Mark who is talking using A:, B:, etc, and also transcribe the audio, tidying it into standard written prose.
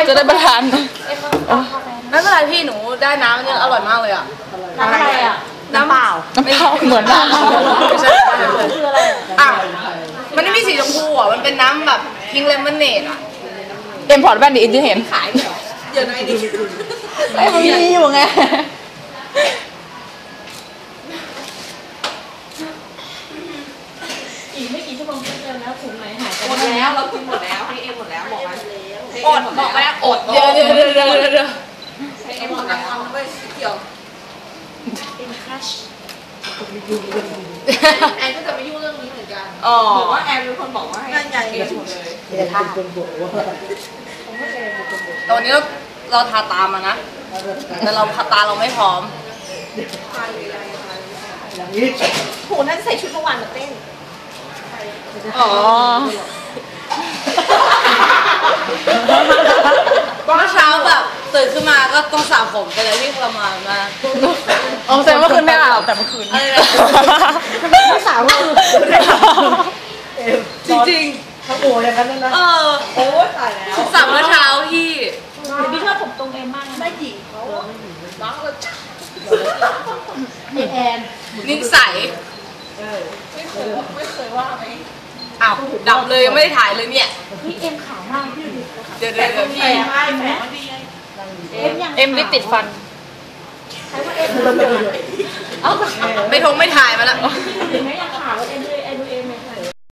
A: จะได้ประทาน
B: ไม่เป็นไรพี่หนูได้น้ำนี่อร่อยมากเลยอ่ะ
C: น้ำอะไรอ่ะ
B: น้ำเปล่า
A: เหมือนน้ำ
B: ไม่ใช่คืออะไรอ่ะมันไม่มีสีชมพูอ่ะมันเป็นน้ำแบบพิงเลมอนเนดอ่ะ
A: เอ็มพอร์ตแว่นดิอินที่เห็น
B: ขายเหรอเดี๋ยวไหนดิ
A: ไอ้มันมีอยู่ไง
C: อีกไม่กี่ชั่วโมงก็เจอแล้วถุงไหนหายไป
B: หมดแล้วเรากินหมดแล้วให้เอ็มหมดแล้วบอกมันอดบอกแม่อด
A: เดี๋ยว
B: ให้เอ็มหมดแล้วไม่เกี่ยว
C: เป็นคัช
B: แอนก็จะไม่ยุ่งเรื่องนี้เหมือนกันบอกว่าแอนเป็นคนบอกว่าให้เอ็มหมดเลยตอนนี้เราทาตามานะแต่เราตาเราไม่พร้อม
C: โหนั่นใส่ชุดเมื่อวานมาเต้น
A: อ๋อ
B: เมื่อเช้าแบบตื่นขึ้นมาก็ต้องสระผมไปเลยที่ทรมานมาก
A: อ๋อแสดงว่าคืนไม่อาบแต่เมื่อคืน
C: ไม่สาว
B: จริง
D: ๆทั้งโอ้อย่างนั้นนะ
B: โอ้ตายแล้วสระเมื่อเช้าพี่
C: พี่ชอบผมตรงเอ็มมากไม่หญิงเขา
B: บ้าเลย
C: แอน
B: นิ่งใสไม่เคยว่าไหมอ้าวดับเลยยังไม่ได้ถ่ายเลยเนี่ย
C: พี่เอ็มขาวมากพี่
B: เดี๋ยวพี่
A: เอ็มลิปติดฟัน
C: ใช้ว่าเอ็ม
B: ไม่ทงไม่ถ่ายมาแล้ว
C: ไม่อยากขาวเอ็มเลย